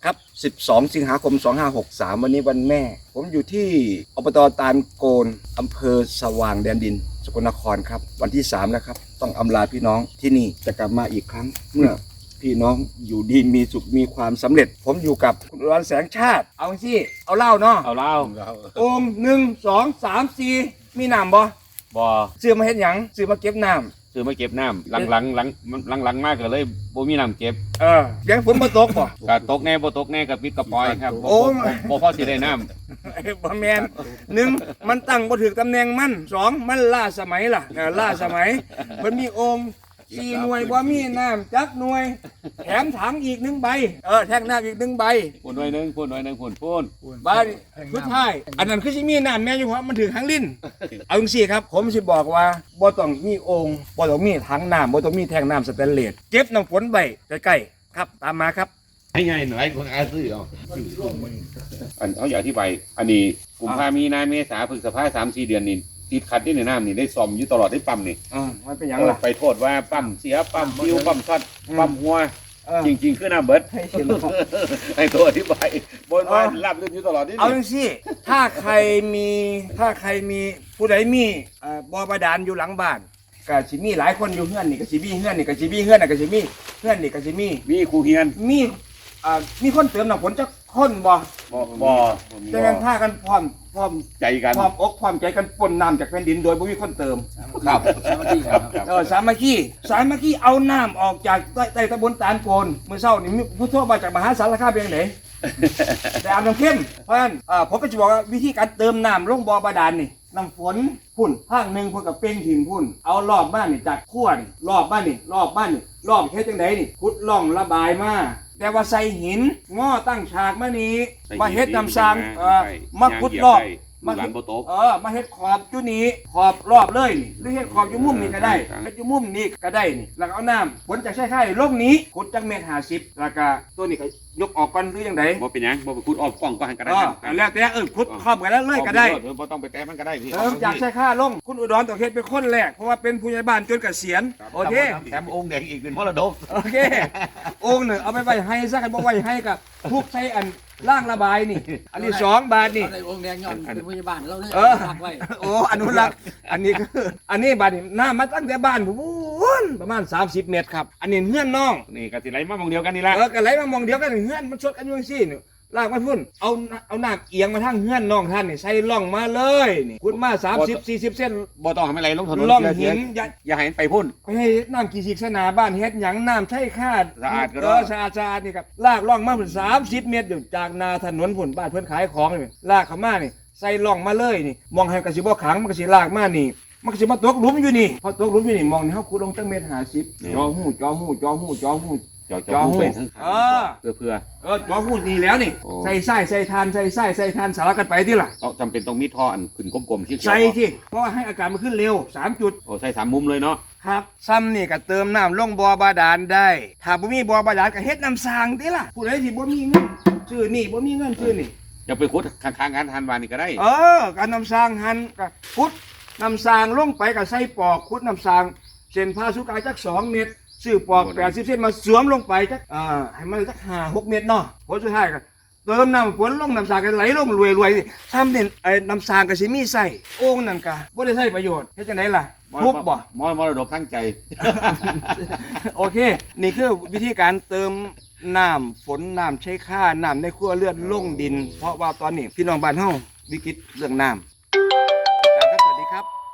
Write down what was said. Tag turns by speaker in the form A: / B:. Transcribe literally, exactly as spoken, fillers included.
A: ครับสิบสองสิงหาคมสองห้าหกสามวันนี้วันแม่ผมอยู่ที่อบต.ตาลโกนอำเภอสว่างแดนดินสกลนครครับวันที่สามแล้วครับต้องอำลาพี่น้องที่นี่จะกลับมาอีกครั้งเมื่อพี่น้องอยู่ดีมีสุขมีความสำเร็จผมอยู่กับคุณอุดรแสงชาติเอาสิเอาเหล้าเนาะ
B: เอาเหล้า
A: องค์หนึ่งสองสามสี่มีน้ำบ่
B: บ่
A: ซื้อมาเฮ็ดหยังซื้อมาเก็บน้ำ
B: ซื้อมาเก็บน้ำหลังหลังหลังหลังหลังมากก็เลยบ่มีน้ำเก็บ
A: เออเลี้ยงฝนมาตกบ่
B: ก็ตกแน่บ่ตกแน่ก็ปิดกระปอยครับบ่
A: โอ้
B: บ่บ่พอสิได้น้
A: บ่แมนหนึ่งมันตั้งบ่ถึงตำแหน่งมันสองมันล่าสมัยล่ะเออล่าสมัยมันมีองค์สี่หน่วยบ่มีน้ำจักหน่วยแถมถังอีกหนึ่งใบเออแท่งน้ำอีกหนึ่งใบ
B: ำพูนหน่อยหนึงพูนหน่อยหนึงพูนพูน
A: บาดสุดท้ายอันนั้นคือสิมีน้ำแม่อยู่เพราะมันถึงหางลิ้นเอาจังซี่ครับผมสิบอกว่าบ่ต้องมีองค์บ่ต้องมีถังน้ำบ่ต้องมีแท่งน้ำสแตนเลสเก็บน้ำฝนไว้ใกล้ๆครับตามมาครับ
C: ให้ไงหน่อยคนอาซื้อเอา
B: อันเขาอยากอธิบายอันนี้กุมภามีนาเมษาพฤษภาสามสี่เดือนนี่ติดขัดที่ในน้ำนี่ได้ซ่อมอยู่ตลอดได้ปั๊มนี่
A: อ่ามันเป็นหยังล่ะ
B: ไปโทษว่าปั๊มเสียปั๊มฟิวปั๊มช็อตปั๊มหัว
A: เออ
B: จริง ๆ คือน้ำเบิด
A: ให้เห็นครับ
B: ให้ตัวอธิบายบนว่ารับลื่นอยู่ตลอดนี่
A: เอาจังซี่ถ้าใครมีถ้าใครมีผู้ใดมีเอ่อบ่อบาดาลอยู่หลังบ้านก็สิมีหลายคนอยู่เฮือนนี่ก็สิมีเฮือนนี่ก็สิมีเฮือนน่ะก็สิมีเฮือนนี่ก็สิมี
B: มีครูเฮียน
A: มีอ่ามีคนเติมน้ำฝนจักคนบ่
B: บ่บ่
A: จังนั้นพากันพร้อมพร้อม
B: ใจกัน
A: พร้อมอกพร้อมใจกันปนน้ำจากแผ่นดินโดยบ่มีคนเติม
B: ครับครับ
A: เออสามัคคีสามัคคีเอาน้ำออกจากใต้ใต้ตำบลตาลโกนมื้อเช้านี่มีผู้โทรมาจากมหาสารคามเป็นจังได๋ แต่อาบน้ำเข้มเพราะฉะนั้นอ่าผมก็จะบอกว่าวิธีการเติมน้ำลงบ่อบาดาลนี่น้ำฝนพุ่นภาคหนึ่งพุ่นกับเป้งถิ่มพุ่นเอารอบบ้านนี่จากขั้วนี่รอบบ้านนี่รอบบ้านนี่รอบเฮ็ดจังไดนี่ขุดร่องระบายมาแต่ว่าใส่หินง้อตั้งฉากมานี้มาเฮ็ดน้ำสร้างเอ่อมาขุดรอบ
B: มา
A: มา
B: หลา
A: เฮ็
B: น
A: ด
B: โบโตก
A: เออมาเฮ็ดขอบจุนี้ขอบรอบเลยนี่หรือเฮ็ดขอบอยู่มุมนี่ก็ได้เฮ็ดอยู่มุมนี่ก็ได้นี่แล้วก็เอาน้ำฝนจากใช้ไข่ลงนี้ขุดจักเมตรห้าสิบแล้วก็ตัวนี้ก็ยกออกก่อนหรือยังไง
B: บ่เป็นหยังบ่ไปขุดออกกล้องก็หันก็ได้
A: เออแล้วแต่เออขุดครอบกันแล้วเลยก็ได้
B: เออบ่ต้องไปแตะมันก็ได้พี่
A: เออจากใช้ค่าลงคุณอุดรต้องเฮ็ดเป็นคนแรกเพราะว่าเป็นผู้ใหญ่บ้านจนเกษียณโอเค
C: แถมองค์แดงอีกเป็นมรดก
A: โอเคองค์หนึ่งเอาไปไว้ให้ซะกันบ่ไว้ให้กับทุกใช้อันล่างระบายนี่ อันนี้สองบาทนี่
D: ในองค์แดงย้อนเป็นพยาบาลเราเลย
A: เออ
D: ฝากไว้
A: โอ้อนุรักษ์อันนี้คืออันนี้บาทนี่น้ามาตั้งแต่บ้านผมวุ้นประมาณสามสิบเมตรครับอันนี้เฮือนน้อง
B: นี่ก็สิไหลมาหมองเดียวกันนี่ละ
A: เออกันไหลมามองเดียวกันเฮือนมันชดกันอยู่ซี่นี่ลากมาพุ่นเอาเอาน้ำเอียงมาทางเฮือนน้องท่านนี่ใส่ร่องมาเลยนี่ขุดมาสามสิบสี่สิบเส้น
B: บ่ต้องให้มันไหลลงถนน
A: ร่อง
B: เสี
A: หิ
B: ย
A: น
B: ๆ
A: อย่า
B: อย่าให้มันไปพุ่น
A: ไปให้น้ำกี่สิกสนาบ้านเฮ็ดหยังน้ำใช่คาด
B: สะอาดก็ได้
A: เออสะอาดสะอาดนี่ครับลากร่องมาพุ่นสามสิบเมตรอยู่จากนาถนนพุ่นบ้านเพื่อนขายของนี่ลากเข้ามานี่ใส่ร่องมาเลยนี่มองให้กระสิบ่ขังมันกระสิลากมานี่มันกระสิมาตกหลุมอยู่นี่พอตกหลุมอยู่นี่มองนี่เฮาขุดลงตั้งเมตรห้าสิบจอหูจอหูจอหูจอหู
B: จอจอหูเป็นทั้ง
A: เออ
B: เพื่อเพื่อ
A: เออจอหูนี่แล้วนี่
B: โอ้
A: ใส่ไส้ใส่ทานใส่ไส้ใส่ทานสารกันไปที่ล่ะ
B: ต้องจำเป็นต้องมีท่ออันขึ้นกลมๆที่
A: ใส่ที่เพราะว่าให้อากาศมันขึ้นเร็วสามจุด
B: โอ้ใส่สามมุมเลยเนาะ
A: ครับซ้ำนี่ก็เติมน้ำลงบ่อบาดาลได้ ถ้าบ่มีบ่อบาดาลก็เฮ็ดน้ำสร้างติล่ะผู้ใดที่บ่มีเงินซื้อนี่บ่มีเงินซื้อนี่
B: อย่าไปขุดข้างๆกันทานวานนี่ก็ได้
A: เออการน้ำสร้างหันก็ขุดน้ำสร้างลงไปก็ใส่ปอกขุดน้ำสร้างเส้นผ่าศูนย์กลางจักสองเมตรซื้อปอกแปดสิบเซนมาสวมลงไปจักอ่าให้มันจักห้าหกเมตรเนาะผลสุดท้ายก็เติมน้ำฝนลงน้ำสร้างก็ไหลลงรวยๆซ้ำเนี่ยไอ้น้ำสร้างก็สิมีใส่โอ่งนั่นก็บ่ได้ใช้ประโยชน์เฮ็ดจังได๋ล่ะทุบบ่
B: มอมรดกทั้งใจ
A: โอเค นี่คือวิธีการเติมน้ำฝนน้ำใช้ค่าน้ำในครัวเรือนลงดิน เพราะว่าตอนนี้พี่น้องบ้านเฮาวิกฤตเรื่องน้ำ